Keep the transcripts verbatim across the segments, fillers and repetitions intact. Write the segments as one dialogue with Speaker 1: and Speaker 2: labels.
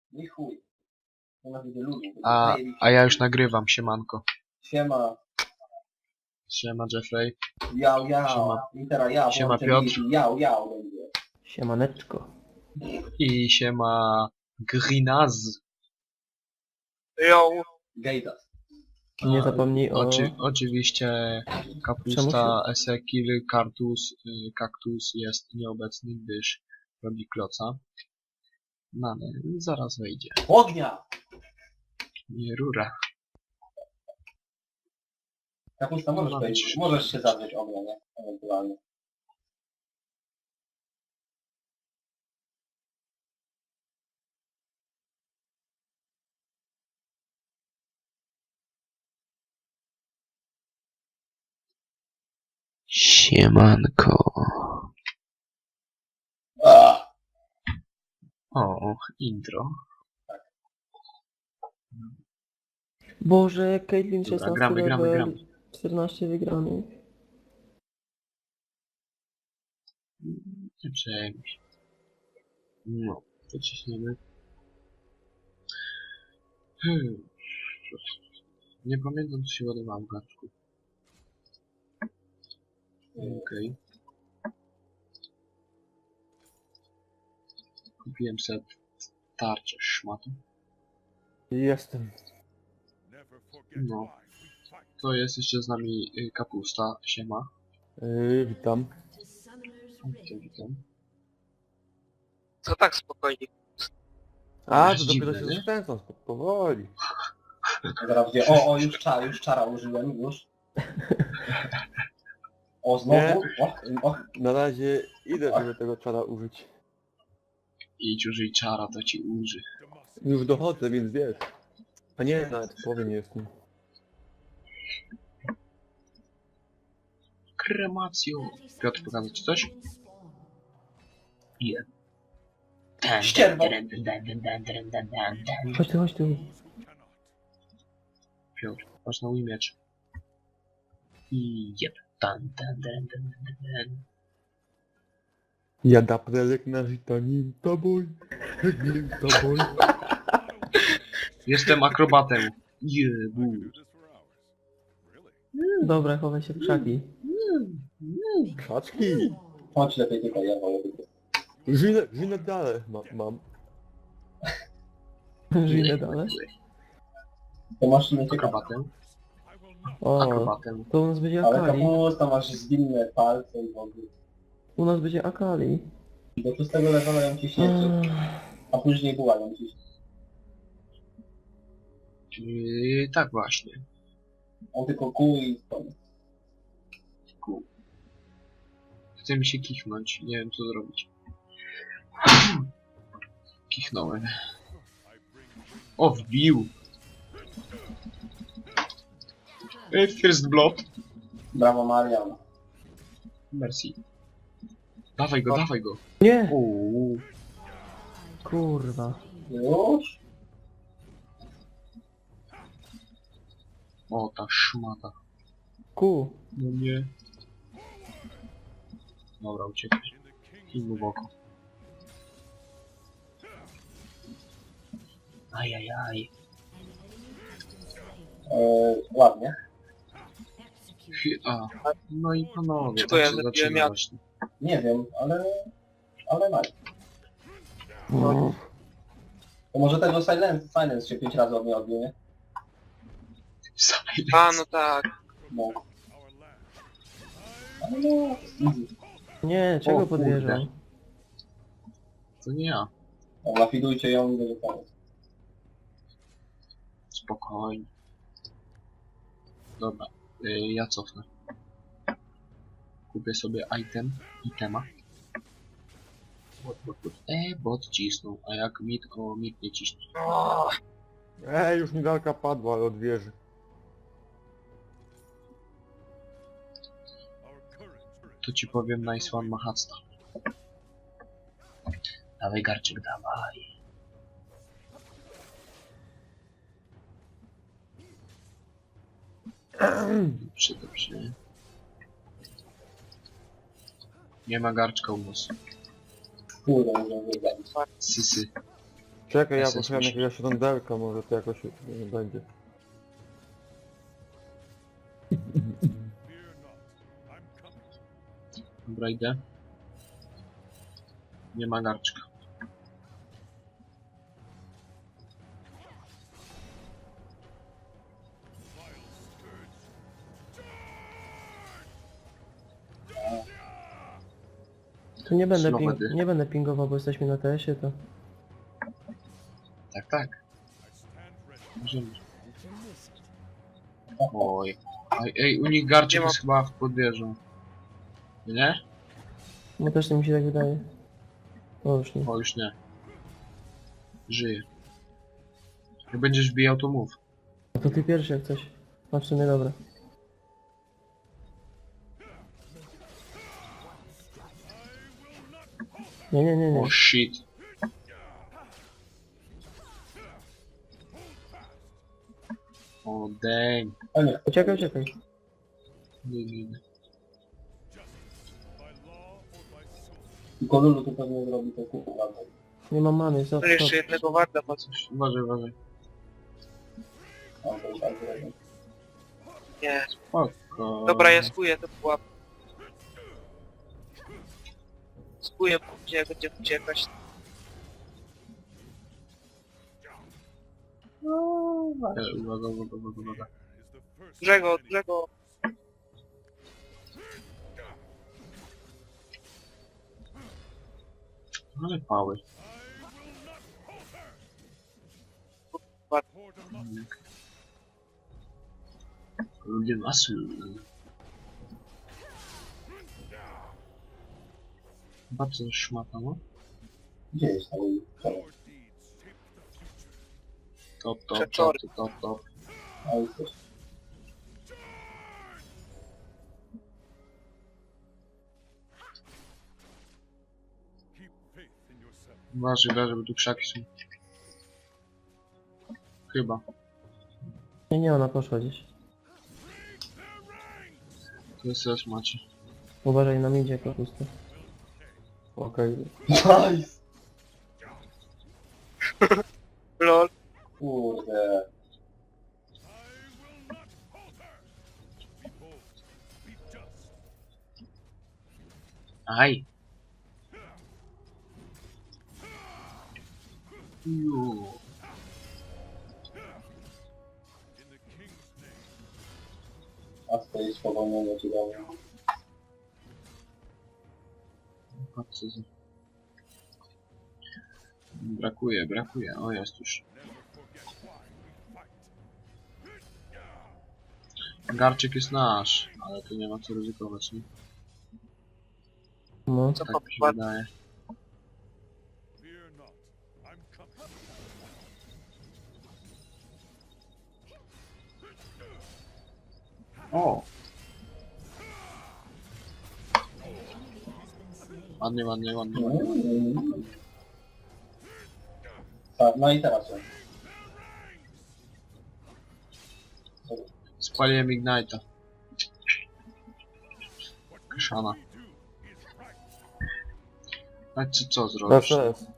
Speaker 1: I chuj. Nienawidzę ludzi.
Speaker 2: A, a ja już nagrywam, siemanko.
Speaker 1: Siema.
Speaker 2: Siema Jeffrey.
Speaker 1: Jał, jał.
Speaker 2: Siema.
Speaker 1: I teraz ja
Speaker 2: Siema,
Speaker 1: włączę
Speaker 2: Piotr.
Speaker 1: wizji. Jał, jał będzie.
Speaker 3: Siemaneczko.
Speaker 2: I siema Grinaz.
Speaker 4: Yo,
Speaker 1: Gejdas.
Speaker 3: Nie zapomnij o...
Speaker 2: Oczy, oczywiście
Speaker 3: Czemu
Speaker 2: kapusta, esekil, kartus, y, kaktus jest nieobecny, gdyż robi kloca. No ale zaraz wejdzie.
Speaker 1: Ognia!
Speaker 2: Nie rura.
Speaker 1: Kapusta, możesz
Speaker 2: No,
Speaker 1: wejść.
Speaker 2: czy-
Speaker 1: Możesz się zadrzeć ognia, nie? Ewentualnie.
Speaker 2: Siemanko.
Speaker 1: Ah!
Speaker 2: O, intro.
Speaker 3: Boże, Caitlyn
Speaker 2: Dobra,
Speaker 3: szesnasty
Speaker 2: gramy, gramy,
Speaker 3: level,
Speaker 2: gramy.
Speaker 3: czternaście wygranych.
Speaker 2: Nie przejmuj się. No, to ciśniemy. Hmm. Nie pamiętam, co się ładowałem w garczku. Okej. Kupiłem set tarczę szmatą.
Speaker 3: Jestem.
Speaker 2: No. To jest jeszcze z nami y, kapusta. Siema.
Speaker 3: Yy, witam.
Speaker 2: Witam, witam.
Speaker 4: co tak spokojnie?
Speaker 3: A,
Speaker 2: Jest
Speaker 3: to dopiero
Speaker 2: dziwne,
Speaker 3: się
Speaker 2: nie?
Speaker 3: zachęcam, powoli.
Speaker 1: Zaraz będzie. O, o, już czara, już czara użyłem, już. O, znowu? O, o.
Speaker 3: Na razie idę, żeby tego czara użyć.
Speaker 2: Idź użyj czara, to ci uży.
Speaker 3: Już dochodzę, więc wiesz. A nie, nawet w połowie nie jestem.
Speaker 2: Kremacjo. Piotr, pokazać ci coś? Nie.
Speaker 1: Ścierwo.
Speaker 3: Chodź tu, chodź tu.
Speaker 2: Piotr, patrz na mój miecz. I jeb. Tan, tan, tan, tan, tan, tan.
Speaker 3: Jada prelek na żyta, nim toboj, nim toboj.
Speaker 2: Jestem akrobatem. Jebu.
Speaker 3: Dobra, chowaj się w krzaki. Krzaczki!
Speaker 1: Chodź lepiej tylko, ja wolę tylko.
Speaker 3: Żinę, żinę dalej ma, mam. Żinę dalej?
Speaker 1: To masz nie ciekawe.
Speaker 2: Akrobatem.
Speaker 3: O,
Speaker 2: Akrobatem.
Speaker 3: to u nas będzie
Speaker 1: Ale
Speaker 3: Akali.
Speaker 1: kapusta, masz zwinne palce i w ogóle.
Speaker 3: U nas będzie Akali.
Speaker 1: Do szóstego levela ją ciśniecie, a później była ją ciśnie.
Speaker 2: Yy, tak właśnie.
Speaker 1: On tylko kół i koniec.
Speaker 2: Ku. Chce mi się kichnąć. Nie wiem co zrobić. Kichnąłem. O, wbił. Yy, First blood.
Speaker 1: Brawo Marian.
Speaker 2: Merci. Dawaj go, dawaj go.
Speaker 3: Nie!
Speaker 2: Uuu.
Speaker 3: Kurwa.
Speaker 1: Już?
Speaker 2: O, ta szmata.
Speaker 3: Ku.
Speaker 2: No nie. Dobra, uciekaj. I mu w oko. Ajajaj.
Speaker 1: Eee, ładnie.
Speaker 2: Fi- A, no i panowie,
Speaker 4: Czego
Speaker 2: tak
Speaker 4: ja
Speaker 2: się
Speaker 4: zabiłem
Speaker 2: zaczyna
Speaker 4: jak-
Speaker 2: właśnie.
Speaker 1: Nie wiem, ale... Ale nice.
Speaker 3: No.
Speaker 1: To może tego silence, silence się pięć razy od mnie odbił, nie?
Speaker 2: Silence.
Speaker 4: A, no tak.
Speaker 1: No. Ale no, easy.
Speaker 3: Nie, czego
Speaker 2: O, kurde.
Speaker 3: podjeżdżał?
Speaker 2: To nie ja.
Speaker 1: No, Lafidujcie ją i będzie koniec.
Speaker 2: Spokojnie. Dobra, y, ja cofnę. Kupię sobie item, itema. Bot, bot, bot. E, bot cisnął, a jak mit, o mit nie ciśnie.
Speaker 4: O,
Speaker 3: Ej, już mi galka padła, ale od wieży.
Speaker 2: To ci powiem, nice one mahacta. Dawaj garczyk, dawaj. Dobrze, dobrze. Nie ma garczka u nas.
Speaker 1: Kurde, nie wiem,
Speaker 2: Sysy.
Speaker 3: Czekaj, ja
Speaker 2: Esens
Speaker 3: poszukam
Speaker 2: musi-
Speaker 3: jakiegoś rondelka, może to jakoś y, będzie.
Speaker 2: Dobra, idę. Nie ma garczka.
Speaker 5: Tu nie będę,
Speaker 2: Slow
Speaker 5: ping
Speaker 2: medy.
Speaker 5: nie będę pingował, bo jesteśmy na T S-ie, to...
Speaker 2: Tak, tak. Możemy. Oj. Ej, ej, u nich garczek
Speaker 4: Nie ma-
Speaker 2: jest chyba w podwieżą. Nie?
Speaker 5: No też mi się tak wydaje. O, już nie.
Speaker 2: O, już nie. Żyje. Jak będziesz bijał, to mów.
Speaker 5: No to ty pierwszy jak coś. No w sumie dobra. Nie, nie, nie, nie.
Speaker 2: O, shit. O, dang.
Speaker 1: A nie,
Speaker 5: Uciekaj, uciekaj.
Speaker 2: Nie, nie, nie.
Speaker 1: tylko Lulu to pewnie zrobi to kupę naprawdę.
Speaker 5: Nie mam many, stop,
Speaker 4: To jeszcze
Speaker 5: stop.
Speaker 4: jednego warda, bo
Speaker 2: Coś, uważaj, uważaj.
Speaker 1: Tam to jest tak zrobię.
Speaker 4: nie.
Speaker 2: Spoko.
Speaker 4: Dobra, ja skuję to pułap. Skuję później, jak będzie uciekać.
Speaker 2: E, Uwaga, uwaga, uwaga, uwaga.
Speaker 4: Dużego, dużego.
Speaker 2: Ale pały. Ludzie masy. Bardzo szmata, no.
Speaker 1: Gdzie jest ta Lulu? Czemu?
Speaker 2: Top, top, top,
Speaker 4: Przeczory.
Speaker 2: top, top.
Speaker 1: A jesteś?
Speaker 2: Uważaj, uważaj, bo tu krzaki są. Chyba.
Speaker 5: Nie, nie, ona poszła gdzieś.
Speaker 2: To jest też macie.
Speaker 5: Uważaj na midzie, jako pusto.
Speaker 3: Okej.
Speaker 1: Nice!
Speaker 4: Lol.
Speaker 1: Kurde.
Speaker 2: Aj! Ju.
Speaker 1: A stoi spowolnione ci dałem.
Speaker 2: Patrzcie, co- Brakuje, brakuje. O, jest już. Garczyk jest nasz, ale tu nie ma co ryzykować, nie?
Speaker 5: No.
Speaker 4: Co
Speaker 2: Tak mi się
Speaker 4: po
Speaker 2: wydaje. O! Ładnie, ładnie, ładnie. ładnie.
Speaker 1: Mm. Tak, no i teraz on.
Speaker 2: Spaliłem Ignite'a. Kaszana. A co, co zrobisz?
Speaker 3: S S.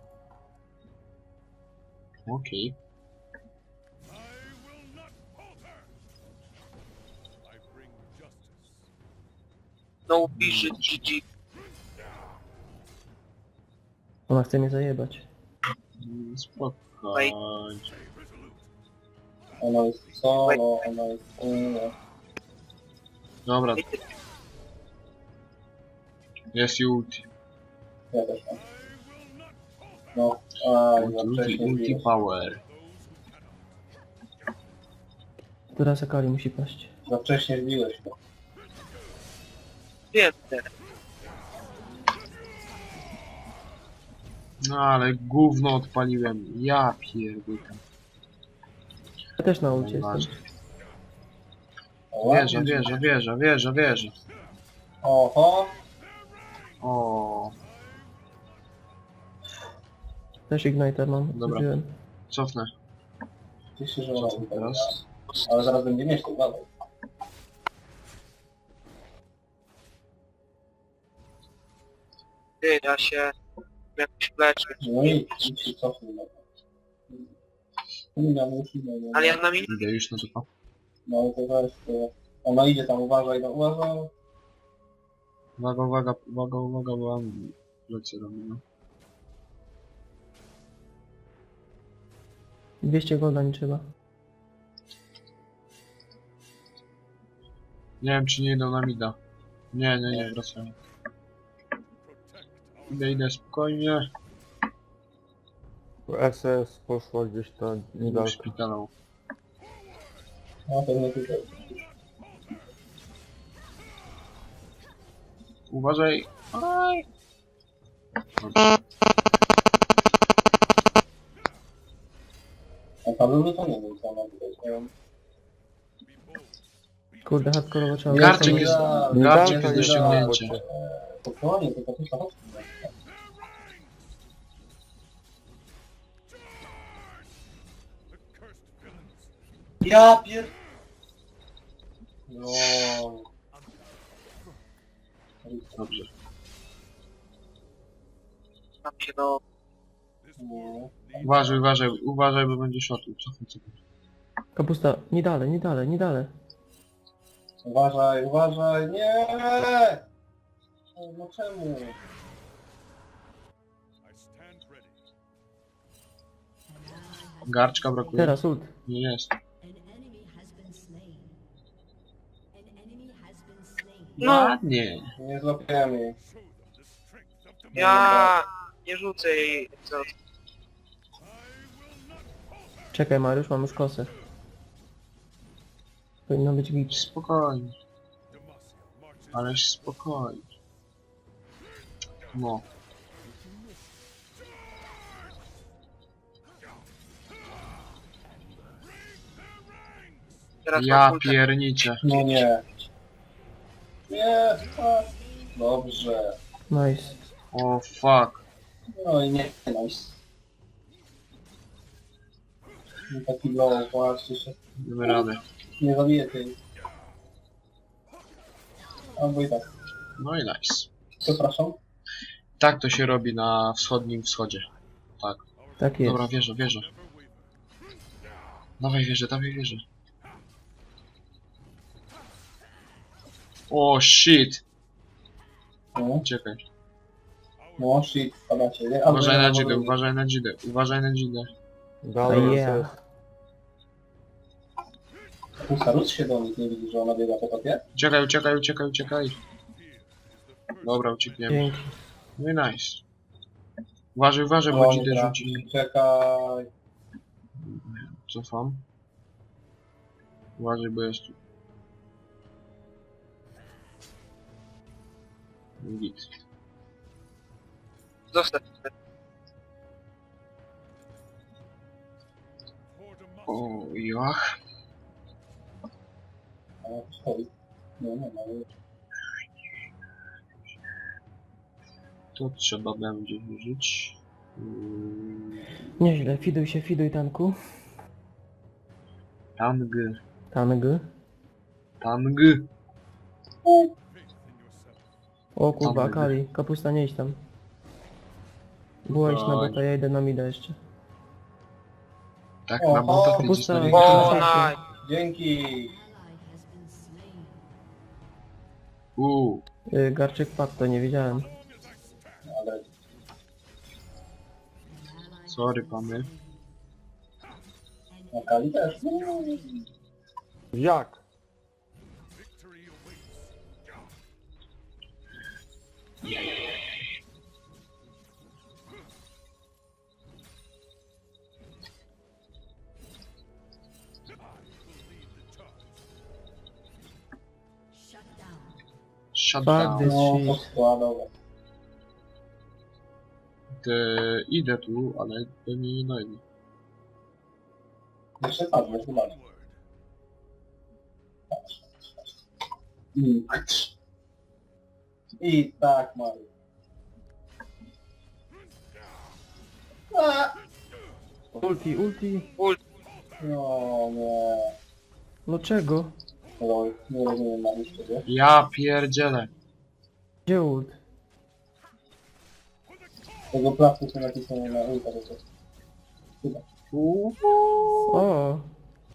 Speaker 2: Okej.
Speaker 4: No pisze G G.
Speaker 5: Ona chce mnie zajebać.
Speaker 2: Mm, Spokojnie.
Speaker 1: Ona jest solo, ona jest solo.
Speaker 2: Dobra. Jest i ulti.
Speaker 1: Ja też mam. No, a za
Speaker 2: Ulti,
Speaker 1: wcześnie
Speaker 2: ulti
Speaker 1: zbiłeś.
Speaker 2: power.
Speaker 5: Teraz Akali musi paść.
Speaker 1: Za wcześnie zbiłeś go.
Speaker 4: Wiem teraz.
Speaker 2: No ale gówno odpaliłem. Ja pierdolę.
Speaker 5: Ja też na ulcie
Speaker 2: Nieważne.
Speaker 5: jestem.
Speaker 1: O,
Speaker 2: Wieża,
Speaker 1: ładnie.
Speaker 2: wieża, wieża, wieża, wieża.
Speaker 1: Oho,
Speaker 2: O,
Speaker 5: Też Igniter mam.
Speaker 2: Dobra.
Speaker 5: Użyłem.
Speaker 2: cofnę.
Speaker 1: cieszę się, że
Speaker 2: Co
Speaker 1: ona
Speaker 2: tu
Speaker 1: tutaj
Speaker 2: teraz?
Speaker 1: teraz. Ale zaraz będzie mieć to dalej.
Speaker 4: Ty, ja się jakoś leczę.
Speaker 1: No i idź się cofnij. No. Nie miał musi, no, no.
Speaker 4: Ale ja na minutę.
Speaker 2: Idę już na to.
Speaker 1: No to weź, to... Ona idzie tam, uważaj, no uważaj.
Speaker 2: Uwaga, uwaga, uwaga, uwaga, bo mam lecę do mnie.
Speaker 5: dwieście golda nie trzeba.
Speaker 2: Nie wiem, czy nie idą na mida. Nie, nie, nie, wracają. Idę, idę, spokojnie.
Speaker 3: S S poszła gdzieś tam
Speaker 2: Idę w
Speaker 3: niedaleko.
Speaker 2: szpitalu.
Speaker 1: No to nie tutaj.
Speaker 2: Uważaj. Aj. Dobrze.
Speaker 1: A Paweł to nie wiem, co ona tutaj. Nie wiem.
Speaker 5: Kurde, hardkorowo trzeba...
Speaker 2: Garczyk
Speaker 5: wracać.
Speaker 2: jest,
Speaker 3: Nie
Speaker 2: garczyk
Speaker 3: da,
Speaker 2: jest
Speaker 3: to
Speaker 2: do
Speaker 3: nie da,
Speaker 2: ściągnięcia.
Speaker 3: bo cię-
Speaker 1: Spokojnie, tylko to chodź. Ja pier... No.
Speaker 2: Dobrze.
Speaker 4: Tam się do...
Speaker 1: No.
Speaker 2: Uważaj, uważaj, uważaj, bo będzie shotł. Cofnij, cofnij.
Speaker 5: Kapusta, nie dalej, nie dalej, nie dalej.
Speaker 1: Uważaj, uważaj, nie! No czemu?
Speaker 2: Garczka brakuje.
Speaker 5: Teraz ult.
Speaker 2: Nie jest.
Speaker 6: An enemy has been slain. An enemy has been slain.
Speaker 4: No,
Speaker 2: Ładnie.
Speaker 1: Nie złapiemy.
Speaker 4: ja... Nie rzucę jej. Co?
Speaker 5: Czekaj Mariusz, mam już kosę. Powinno być git.
Speaker 2: Spokojnie. Aleś spokojnie. No.
Speaker 4: Teraz
Speaker 2: Ja
Speaker 4: mam ultę.
Speaker 2: pierniczę.
Speaker 1: No nie. Nie, tak. Dobrze.
Speaker 5: Nice.
Speaker 2: O fuck.
Speaker 1: No i nie, nice. No taki low, właśnie się
Speaker 2: Damy radę.
Speaker 1: nie zabije tej. Albo i tak.
Speaker 2: No i nice.
Speaker 1: Przepraszam.
Speaker 2: Tak to się robi na wschodnim wschodzie. Tak.
Speaker 5: Tak jest.
Speaker 2: Dobra, wierzę, wierzę. Dawaj wierzę, dawaj wierzę. O shit.
Speaker 1: No,
Speaker 2: Czekaj.
Speaker 1: no shit, padacie, nie? Albo
Speaker 2: Uważaj
Speaker 1: ja
Speaker 2: na
Speaker 1: albo
Speaker 2: dzidę,
Speaker 1: wy.
Speaker 2: uważaj na dzidę, uważaj na dzidę.
Speaker 3: Dalej
Speaker 5: Oh, yeah.
Speaker 3: S S.
Speaker 1: Pusarus się do nich nie widzi, że ona biega po topie?
Speaker 2: Uciekaj, uciekaj, uciekaj, uciekaj. Dobra, uciekniemy.
Speaker 5: Dzięki.
Speaker 2: No i nice. Uważaj, uważaj, bo
Speaker 1: O,
Speaker 2: dzidę
Speaker 1: nie
Speaker 2: rzuci.
Speaker 1: trafi. Czekaj.
Speaker 2: Cofam. Uważaj, bo jest tu. Git.
Speaker 4: Zostaw.
Speaker 2: O, jach.
Speaker 1: A, stoi. No, no, no.
Speaker 2: To trzeba będzie użyć. Mm,
Speaker 5: Nieźle, fiduj się, fiduj tanku.
Speaker 2: Tang.
Speaker 5: Tang.
Speaker 2: Tang.
Speaker 5: O kurwa,
Speaker 2: Tang.
Speaker 5: Akali. Kapusta, nie idź tam. Była iść na bota, ja idę na mida jeszcze.
Speaker 2: Tak,
Speaker 1: O,
Speaker 2: na bota
Speaker 1: o,
Speaker 2: ty
Speaker 5: pusta.
Speaker 2: idziesz na
Speaker 4: O,
Speaker 2: rękę.
Speaker 4: nice.
Speaker 1: Dzięki.
Speaker 6: Ally has been slain.
Speaker 2: Uuu.
Speaker 5: Y, Garczyk padł, to nie wiedziałem.
Speaker 1: Ale
Speaker 6: An ally
Speaker 2: Sorry, pany.
Speaker 1: na Kali też. No.
Speaker 3: Jak?
Speaker 6: shut down.
Speaker 2: Shut
Speaker 5: Fuck
Speaker 2: down.
Speaker 5: this
Speaker 1: No, to
Speaker 5: shit.
Speaker 1: składowe.
Speaker 2: Te, idę tu, ale to nie dojdę.
Speaker 1: Jeszcze padniesz, zobacz. I, I tak, Mario. A!
Speaker 5: Ulti, ulti.
Speaker 1: No nie.
Speaker 5: No czego?
Speaker 1: Lol, nie rozumiem na liście, wiesz?
Speaker 2: Ja pierdzielę.
Speaker 5: Gdzie ult?
Speaker 1: Tego placu są napisane na ulta, że to... Chyba.
Speaker 2: Uuu.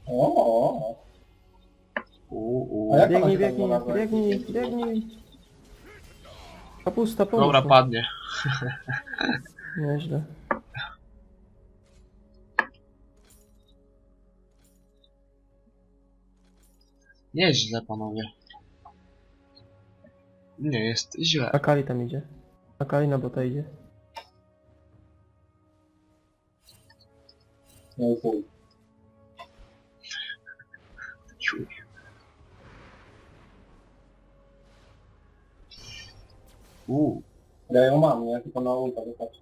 Speaker 1: O,
Speaker 2: U,
Speaker 1: A
Speaker 2: u.
Speaker 1: jak ona
Speaker 5: Biegnij,
Speaker 1: się tam
Speaker 5: biegnij,
Speaker 1: znalazła?
Speaker 5: biegnij, biegnij. Kapusta, pomóż
Speaker 2: Dobra,
Speaker 5: mu.
Speaker 2: padnie.
Speaker 5: Nieźle.
Speaker 2: Nieźle, panowie. Nie jest źle.
Speaker 5: Akali tam idzie. Akali na bota idzie.
Speaker 1: No i chuj.
Speaker 2: Ciuj. U,
Speaker 1: Ja ją mam, nie? Tylko na ulta wystarczy.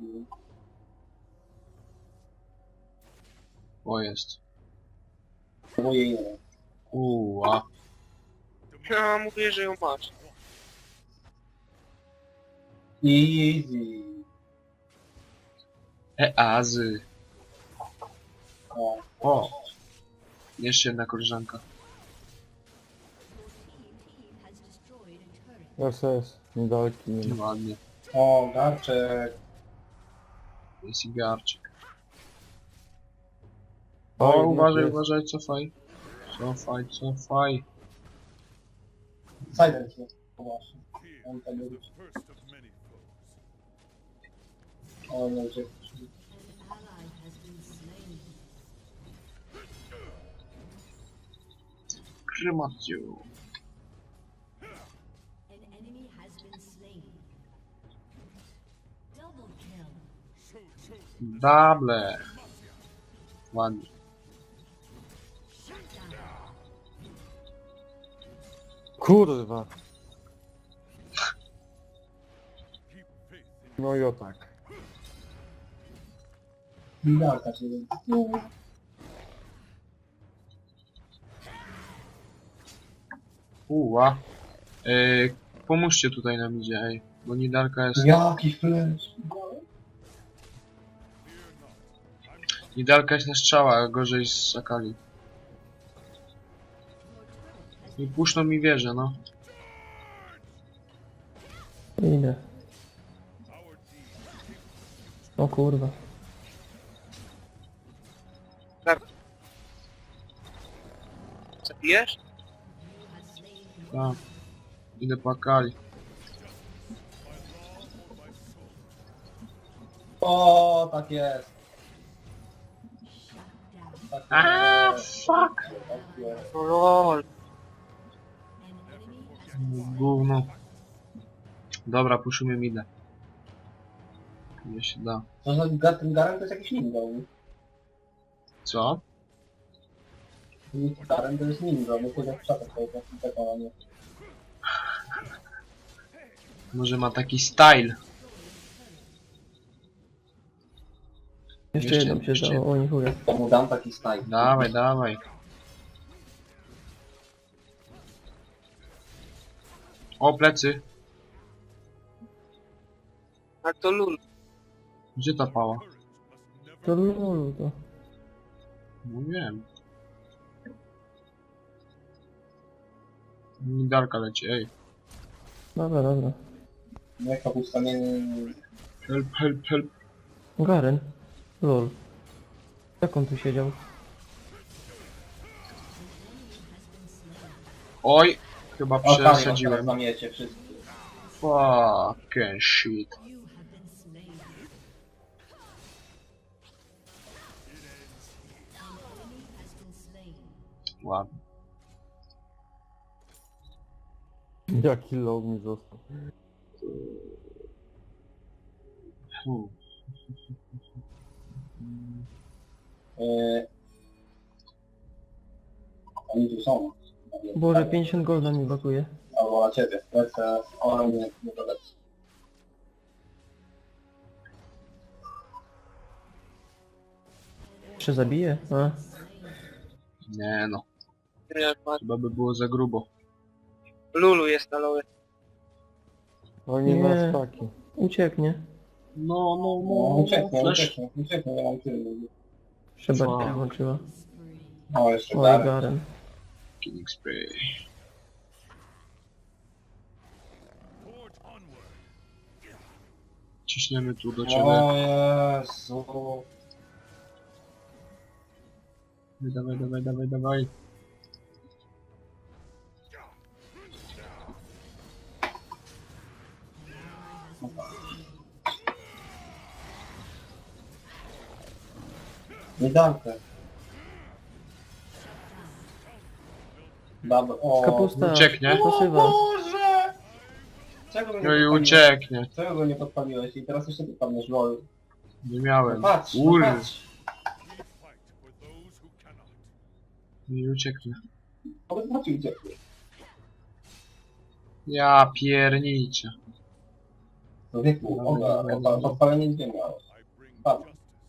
Speaker 2: o jest.
Speaker 1: Bo jej nie wiem.
Speaker 2: U, a.
Speaker 4: Ja mówię, że ją masz.
Speaker 1: Easy.
Speaker 2: E, azy.
Speaker 1: O,
Speaker 2: O. Jeszcze jedna koleżanka.
Speaker 6: Your team has destroyed a turret.
Speaker 3: S S, niedaleki. Nie ma.
Speaker 2: Ładnie.
Speaker 1: o garczek.
Speaker 2: Jest i garczyk.
Speaker 3: O,
Speaker 2: O,
Speaker 3: jednak
Speaker 2: uważaj,
Speaker 3: jest.
Speaker 2: uważaj, cofaj. Cofaj, cofaj.
Speaker 1: Silence jest. O, właśnie. On tam jest. O, nie uciekł.
Speaker 6: An ally has been slain.
Speaker 2: Kremacją.
Speaker 6: An enemy has been slain. Double kill.
Speaker 2: Dable. Ładnie.
Speaker 6: Shut down.
Speaker 3: Kurwa. No i o tak.
Speaker 1: Garka się
Speaker 2: Uła. Yy, pomóżcie tutaj nam idzie, ej. Bo Nidalka jest...
Speaker 1: Jaki flash.
Speaker 2: Nidalka jest na strzała, a gorzej z Akali.
Speaker 6: Your turret has
Speaker 2: I puszczą mi wieżę, no.
Speaker 5: Idę. O kurwa.
Speaker 4: Zabijesz?
Speaker 6: you have slain
Speaker 2: Tak. Idę po Akali.
Speaker 1: O, tak jest.
Speaker 6: shut down.
Speaker 1: Tak
Speaker 2: A,
Speaker 1: jest.
Speaker 2: fuck.
Speaker 1: Tak jest.
Speaker 4: Lol.
Speaker 6: An enemy has been
Speaker 2: Gówno. Dobra, puszymy midę. Nie się da.
Speaker 1: To za ga- ten Garen to jest jakiś ninja. nie?
Speaker 2: Co?
Speaker 1: Garen to jest ninja, bo to jak szata swoje nie.
Speaker 2: Może ma taki style.
Speaker 5: Jeszcze
Speaker 2: Jeszcze-
Speaker 5: jedną się
Speaker 2: jeszcze-
Speaker 5: dało, o nie chuja.
Speaker 1: To mu dam taki style.
Speaker 2: Dawaj, dawaj. O, plecy.
Speaker 4: A to lul.
Speaker 2: Gdzie ta pała?
Speaker 5: To lulu to.
Speaker 2: No wiem. Nidalka leci, ej.
Speaker 5: Dobra, dobra.
Speaker 1: Nie, kapusta nie... nie-
Speaker 2: Help, help, help.
Speaker 5: Garen. Lol. Jak on tu siedział?
Speaker 2: Oj, chyba
Speaker 1: O, tam
Speaker 2: przesadziłem.
Speaker 1: zamiecie wszyscy.
Speaker 2: Fucking shit.
Speaker 6: you have been slain. An enemy has been slain.
Speaker 2: Ładnie.
Speaker 3: Jaki low mi został.
Speaker 2: Fu.
Speaker 1: Yy... Oni tu są.
Speaker 5: Boże, pięćdziesiąt golda mi brakuje.
Speaker 1: Albo na ciebie. Lecę, ona nie, nie to lecę.
Speaker 5: Jeszcze zabiję? A.
Speaker 2: Nie no,
Speaker 4: Nie, ma-
Speaker 2: chyba by było za grubo.
Speaker 4: Lulu jest na loły.
Speaker 3: Oni
Speaker 5: Nie.
Speaker 3: na staki.
Speaker 5: Ucieknie.
Speaker 2: No, no,
Speaker 1: No,
Speaker 2: no,
Speaker 1: ucieknie,
Speaker 2: flash.
Speaker 1: ucieknie, ucieknie, nie mam tylu.
Speaker 5: Jeszcze
Speaker 2: Co?
Speaker 5: bardziej włączyła.
Speaker 1: O, jeszcze
Speaker 5: Oj,
Speaker 1: Garen.
Speaker 5: Garen.
Speaker 2: Killing spray. Ciśniemy tu do ciebie.
Speaker 1: O Jezu.
Speaker 2: Dawaj, dawaj, dawaj, dawaj.
Speaker 1: Nie dankę. Dobra, o.
Speaker 5: Kapusta.
Speaker 2: Ucieknie.
Speaker 5: Pasywa.
Speaker 1: Boże! Czego mnie
Speaker 2: No i
Speaker 1: podpaliłeś?
Speaker 2: ucieknie.
Speaker 1: Czego go nie podpaliłeś? I teraz jeszcze ty padniesz, lol.
Speaker 2: Nie
Speaker 1: No
Speaker 2: miałem.
Speaker 1: patrz, no
Speaker 2: Ur.
Speaker 1: patrz.
Speaker 2: Nie ucieknie.
Speaker 1: Powiedz, patrz, uciekł.
Speaker 2: Ja pierniczę.
Speaker 1: Człowieku, oga, oga, podpalenie gdzie miałeś? Padł.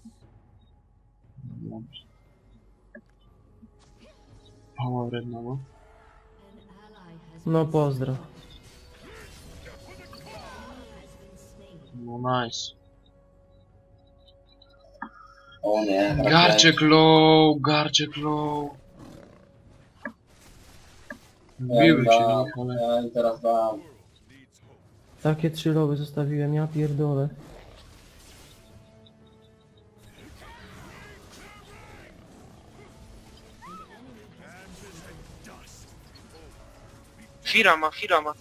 Speaker 2: Dobrze. Mała wrednowo.
Speaker 6: An ally has
Speaker 5: No pozdro.
Speaker 6: has been slain.
Speaker 2: No nice.
Speaker 1: O nie.
Speaker 2: Garczek low, garczek low. Wbiły się w nich, ale...
Speaker 1: Ja i teraz dam.
Speaker 5: Takie trzy lowy zostawiłem, ja pierdolę.
Speaker 4: Fira ma, Fira ma.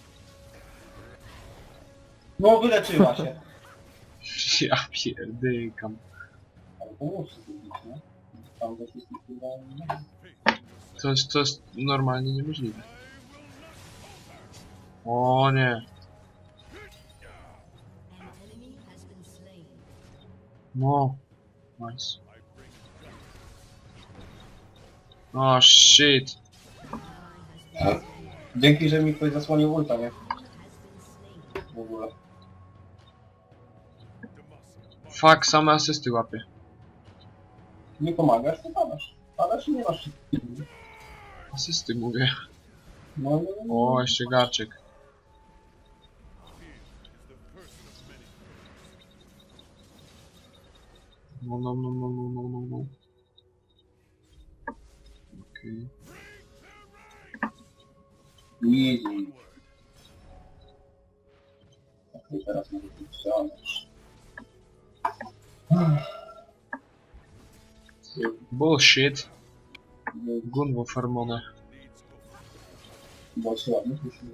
Speaker 1: No wyleczyła się.
Speaker 2: Ja pierdykam.
Speaker 1: Ale pomóż się zrobić, nie? Tam też jest chyba...
Speaker 2: To jest, to jest normalnie niemożliwe. O nie.
Speaker 6: An enemy has been slain.
Speaker 2: No. Nice. O shit.
Speaker 1: Dzięki, że mi ktoś zasłonił ulta, nie? W ogóle.
Speaker 2: Fuck, same asysty łapie.
Speaker 1: Nie pomagasz, to padasz. Padasz i nie masz.
Speaker 2: Asysty mówię.
Speaker 1: No, no, no.
Speaker 2: O, jeszcze garczek. No, no, no, no, no, no, no, no. Okej.
Speaker 1: Easy. Tak, i teraz mogę tu ściągnąć.
Speaker 2: Bullshit. Gunwo farmone.
Speaker 1: Bo się ładnie słyszy.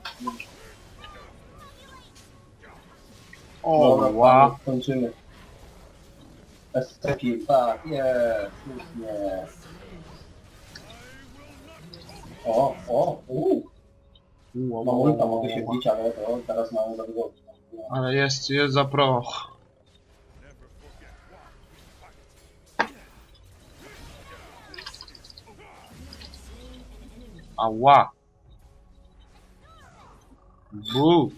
Speaker 2: O,
Speaker 1: Dobra,
Speaker 2: ła.
Speaker 1: panie, kończymy. S-Taki, tak, jest, słusznie. O, o, uuu.
Speaker 2: Ła,
Speaker 1: No
Speaker 2: ła,
Speaker 1: ulta
Speaker 2: ła,
Speaker 1: mogę się
Speaker 2: ła.
Speaker 1: wbić, ale to teraz mamy za dużo.
Speaker 2: Ale jest, jest za pro. Ała. Bu.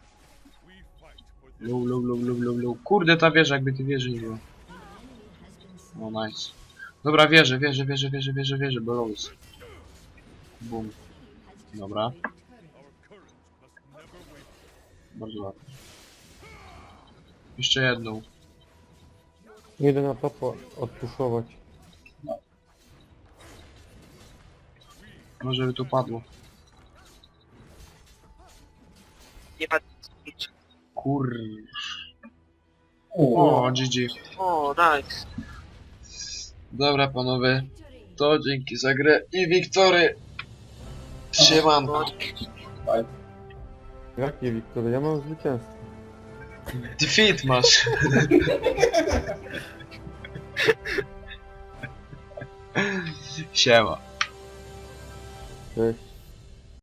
Speaker 2: Low, low, low, low, low, low. Kurde, ta wieża, jakby tej wieży nie było. O, nice. Dobra, wieżę, wieżę, wieżę, wieżę, wieżę, wieżę, bo low jest. Bum. Dobra. Bardzo ładnie. Jeszcze jedną.
Speaker 3: Jeden na topa odpuszować.
Speaker 2: Może by tu padło.
Speaker 4: Nie ma nic.
Speaker 2: Kur...
Speaker 1: Uuu,
Speaker 2: O, G G.
Speaker 4: O, nice.
Speaker 2: Dobra panowie, to dzięki za grę i wiktory. Siemanko.
Speaker 4: No,
Speaker 3: Jakie Wiktory? Ja mam zwycięstwo.
Speaker 2: Defeat masz. Siema.
Speaker 3: Cześć.